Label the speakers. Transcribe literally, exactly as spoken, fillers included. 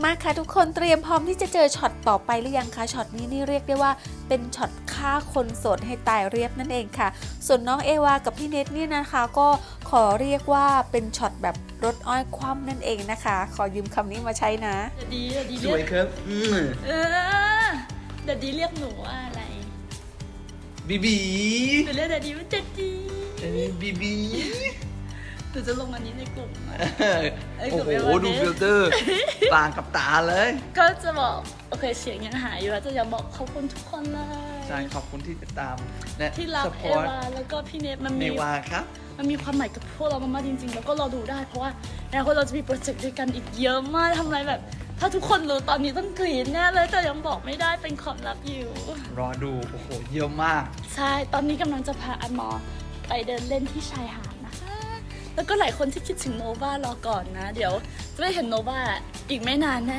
Speaker 1: มาค่ะทุกคนเตรียมพร้อมที่จะเจอช็อตต่อไปหรือยังคะช็อตนี้นี่เรียกได้ว่าเป็นช็อตฆ่าคนโสดให้ตายเรียบนั่นเองค่ะส่วนน้องเอวากับพี่เนทนี่นะคะก็ขอเรียกว่าเป็นช็อตแบบรถอ้อยคว่ำนั่นเองนะคะขอยืมคำนี้มาใช้นะ
Speaker 2: เดี๋ยวดีเดี๋ยวดี
Speaker 3: ส
Speaker 2: เรีย
Speaker 3: วย
Speaker 2: ก
Speaker 3: ครับอืม
Speaker 2: เออเดี๋ยวดีเรียกหนูว่าอะไร
Speaker 3: บีบี
Speaker 2: หนูเรียกเดี๋ยวดีว่าเด็ดดี
Speaker 3: เอ้ยบีบี
Speaker 2: หนูจะลงอันนี้ในกลุ่มอะ ไอ้
Speaker 3: โอ้
Speaker 2: กับ
Speaker 3: โห
Speaker 2: เอวา
Speaker 3: ดู
Speaker 2: เนส
Speaker 3: ฟิลเตอร์ต่างกับตาเลย
Speaker 2: ก็จะบอกโอเคเสียงยังหายอยู่แล้วจะอยากบอกขอบคุณทุกคนเลย
Speaker 3: ใช่ขอบคุณที่ติดตามและ
Speaker 2: ที่รัก
Speaker 3: ส
Speaker 2: เอ
Speaker 3: ปอร์ต
Speaker 2: วาแล้วก็พี่เนทมัน
Speaker 3: เน
Speaker 2: มี
Speaker 3: วาครับ
Speaker 2: มันมีความหมายกับพวกเรามากๆจริงๆ แล้วก็เราดูได้เพราะว่าในอนาคตเราจะมีโปรเจกต์ด้วยกันอีกเยอะมากทำอะไรแบบ ถ้าทุกคนรู้ตอนนี้ต้องกรี๊ดแน่เลยแต่ยังบอกไม่ได้เป็นความลับอยู่
Speaker 3: รอดูโอ้โหเยอะมาก
Speaker 2: ใช่ตอนนี้กำลังจะพาอันมอไปเดินเล่นที่ชายหาดนะคะ แล้วก็หลายคนที่คิดถึงโนวารอก่อนนะ เดี๋ยวจะได้เห็นโนวาอีกไม่นานแน่